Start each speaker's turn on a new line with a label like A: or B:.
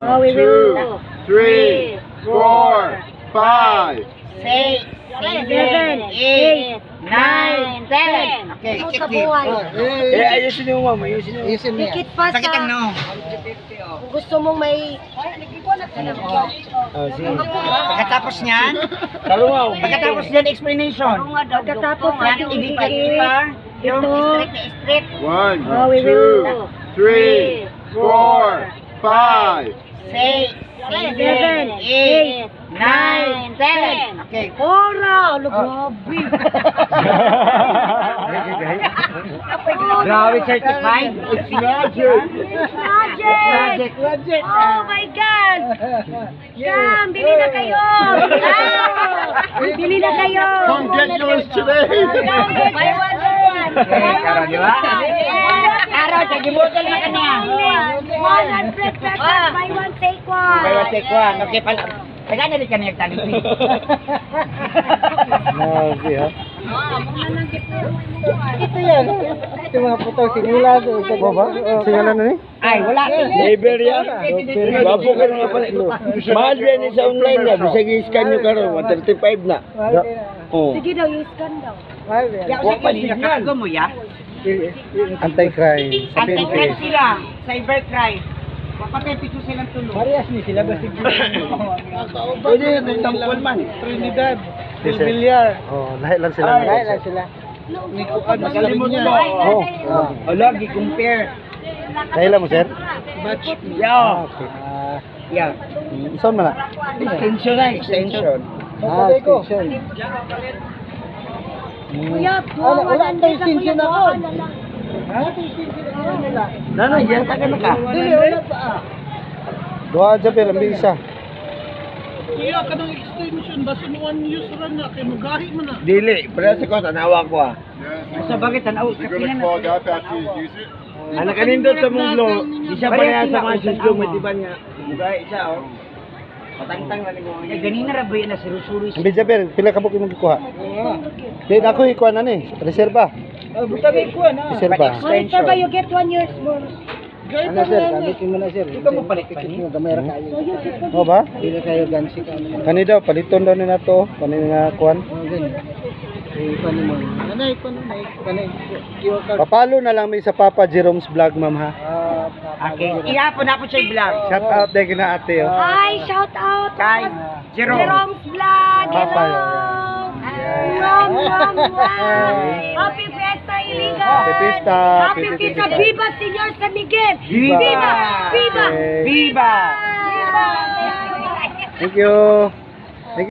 A: Oh, we will.
B: 2, 3, 4, 5.
C: 6, 7, 8, 9, 10. Okay,
A: Ano sa
C: check
A: buhay?
D: Ayusin mo, ma'am. Ayusin mo.
A: Dikit pa
C: Sakit ang
A: sa...
C: no.
A: Kung gusto mong may...
D: Oh, sige.
C: Pagkatapos niyan,
D: Talungaw.
C: pagkatapos niyan, explanation.
A: Pagkatapos
C: Yan,
A: natin
C: ibigay
A: ibigay.
C: pa. Yung
A: Ito.
C: straight na straight.
B: 1,
A: Oh, we
B: 2,
A: will.
B: 3, 4, 5.
C: 6, 7, 8, 9, 10. Okay.
A: Ora! Ano, grabe.
C: Grabe certified.
B: It's magic.
A: Magic! Oh my God! Cam, bili na kayo! Bili na kayo!
B: Come get yours today.
A: Buy one, get one!
C: Karo, di ba? Karo, sige mo na kanya.
A: 100 pesos, buy one, take one!
C: Kaya take one. Okay pala. Taga na rin ka niya tali.
D: Grabe, ha?
A: Ito yan.
D: Ito mga putong sinila. Ito ba? Singalan na ni?
C: Ay, wala.
D: Labor yan. Bapo ka nga pala. Mahal yan sa online na. Bisag i-scan nyo ka rin. 135 na. Oh.
A: Sige daw, yung scan daw.
C: Huwag pa din nakakago mo ya.
D: Anti-crime. Sa
C: Anti-crime
D: PNP.
C: sila. Cybercrime. Papatay pito silang tulong.
D: Parehas ni sila ba sige? Pwede ito sampol man. Trinidad. Del Villar. Oh, lahat lang sila. Lahat lang sila.
C: Magaling mo na.
D: Oh.
C: O, lagi, compare.
D: Kailan mo, sir?
C: Batch.
D: Ah,
C: Yeah.
D: okay.
C: Yeah.
D: Saan man na?
C: Extension na, extension.
D: Extension.
A: Kuya,
D: Wala ang extension ako.
C: Nana, yan taga na ka.
D: Doa dyan pero may isa.
E: Iya ka ng extension basin one use ran na kay magahi man na.
D: Dili, pero sa ko tanawa ko ah.
C: Sa bagay, tanaw,
B: You're gonna
C: kapinan
B: clog
C: na.
B: up after you use it.
D: Anak kanindot sa munglo, isa pa niya sa mga suslo mo diba niya. Mugay isa oh. Patangtang na ni mo.
C: Eh, ganina ra ba yan na sirusuri
D: Ang bija pero pila ka buki mo gikuha? Di ako ikuha na ni, reserba.
C: Butagay ko na.
D: Reserba.
A: Money sir ba, you get 1 year's bonus.
D: Ano sir, gamitin mo na sir.
C: Ikaw mo palit pa ni?
D: Gamay ra kayo.
A: So you get
D: O ba? Dili kayo gansi ka. Kani daw paliton daw ni nato, kani nga kuan. Papalo na lang may sa Papa Jerome's vlog, ma'am ha.
C: Okay. Ihapon na po siya yung vlog.
D: Shout out day kina ate oh.
A: Hi, shout out!
C: Kay Jerome.
A: Jerome's Vlog!
D: Papa,
A: Rom! Happy Fiesta, Iligan!
D: Happy Fiesta!
A: Happy Fiesta! Viva Señor San Miguel!
D: Viva!
A: Viva! Viva!
D: Okay.
C: Viva!
D: Thank you.